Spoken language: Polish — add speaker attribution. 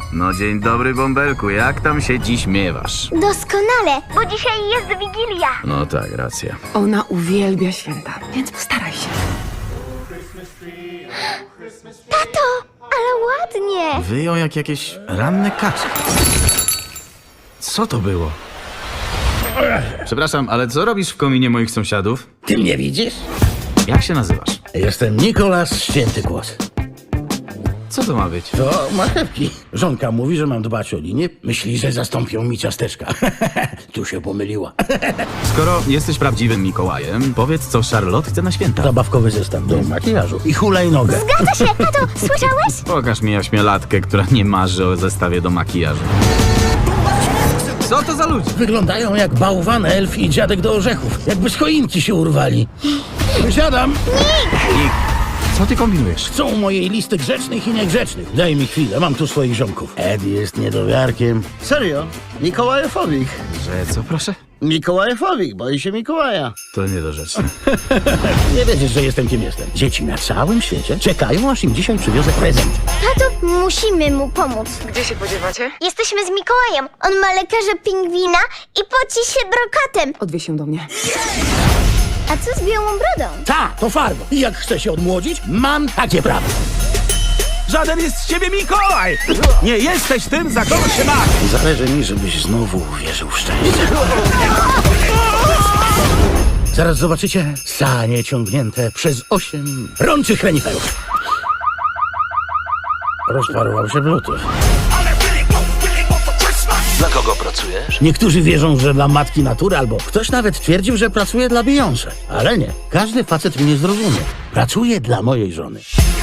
Speaker 1: No dzień dobry, Bąbelku, jak tam się dziś miewasz?
Speaker 2: Doskonale, bo dzisiaj jest Wigilia.
Speaker 1: No tak, racja.
Speaker 3: Ona uwielbia święta, więc postaraj się.
Speaker 2: Tato, ale ładnie.
Speaker 1: Wyją jak jakieś ranne kaczki. Co to było? Przepraszam, ale co robisz w kominie moich sąsiadów?
Speaker 4: Ty mnie widzisz?
Speaker 1: Jak się nazywasz?
Speaker 4: Jestem Nikolas Święty Kłos.
Speaker 1: Co to ma być?
Speaker 4: To marchewki. Żonka mówi, że mam dbać o linię. Myśli, że zastąpią mi ciasteczka. Tu się pomyliła.
Speaker 1: Skoro jesteś prawdziwym Mikołajem, powiedz, co Charlotte chce na święta.
Speaker 4: Zabawkowy zestaw do makijażu i hulajnogę.
Speaker 2: Zgadza się, tato, słyszałeś?
Speaker 1: Pokaż mi ośmiolatkę, która nie marzy o zestawie do makijażu. Co to za ludzie?
Speaker 4: Wyglądają jak bałwan, elf i dziadek do orzechów. Jakby z choinki się urwali. Wysiadam.
Speaker 1: Nick, co ty kombinujesz?
Speaker 4: Chcą mojej listy grzecznych i niegrzecznych. Daj mi chwilę, mam tu swoich ziomków. Ed jest niedowiarkiem.
Speaker 5: Serio? Mikołajefowik.
Speaker 1: Że co, proszę?
Speaker 5: Mikołajefowik, boi się Mikołaja.
Speaker 1: To niedorzeczne.
Speaker 4: Nie wiedziesz, że jestem kim jestem. Dzieci na całym świecie czekają, aż im dzisiaj przywiozę prezent.
Speaker 2: Tato, musimy mu pomóc.
Speaker 3: Gdzie się podziewacie?
Speaker 2: Jesteśmy z Mikołajem. On ma lekarza pingwina i poci się brokatem.
Speaker 3: Odwieź się do mnie.
Speaker 2: A co z białą brodą?
Speaker 4: Ta, to farba. I jak chcę się odmłodzić, mam takie prawo.
Speaker 1: Żaden jest z ciebie Mikołaj! Nie jesteś tym, za kogo się masz!
Speaker 4: Zależy mi, żebyś znowu uwierzył w szczęście. Zaraz zobaczycie sanie ciągnięte przez 8 rączych reniferów. Rozparował się bluetooth.
Speaker 6: Dla kogo pracujesz?
Speaker 4: Niektórzy wierzą, że dla matki natury, albo ktoś nawet twierdził, że pracuje dla Beyoncé. Ale nie, każdy facet mnie zrozumie. Pracuję dla mojej żony.